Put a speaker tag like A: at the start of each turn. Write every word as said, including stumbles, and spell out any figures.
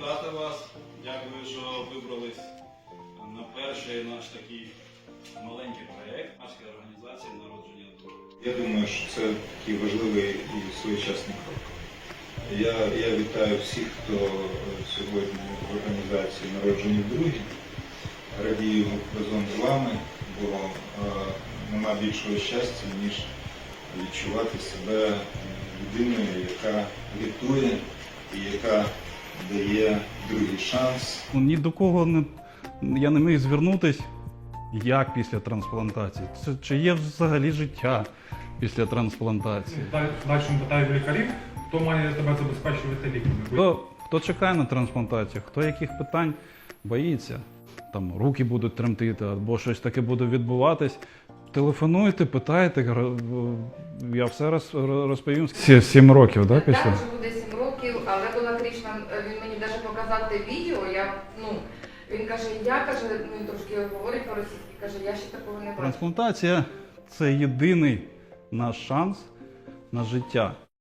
A: привітати вас. Дякую, що вибрались на перший наш такий маленький проєкт нашої організації «Народження друга».
B: Я думаю, що це такий важливий і своєчасний крок. Я, я вітаю всіх, хто сьогодні в організації «Народжені вдруге». Радію разом з вами, бо е, нема більшого щастя, ніж відчувати себе людиною, яка рятує і яка дає другий шанс.
C: Ні до кого не, я не міг звернутися, як після трансплантації. Це, чи є взагалі життя після трансплантації?
D: Далі питають лікарів, хто має тебе забезпечувати ліками.
C: Хто, хто чекає на трансплантацію, хто яких питань боїться, там руки будуть тремтити або щось таке буде відбуватись. Телефонуйте, питайте, я все роз, розповім. Сім років, так, після?
E: Так, вже буде сім років, але була Кришна, він мені навіть показав те відео, я, ну, він каже, я, каже, ну, він трошки говорить по-російськи, каже, я ще такого не бачив.
C: Трансплантація – це єдиний наш шанс на життя.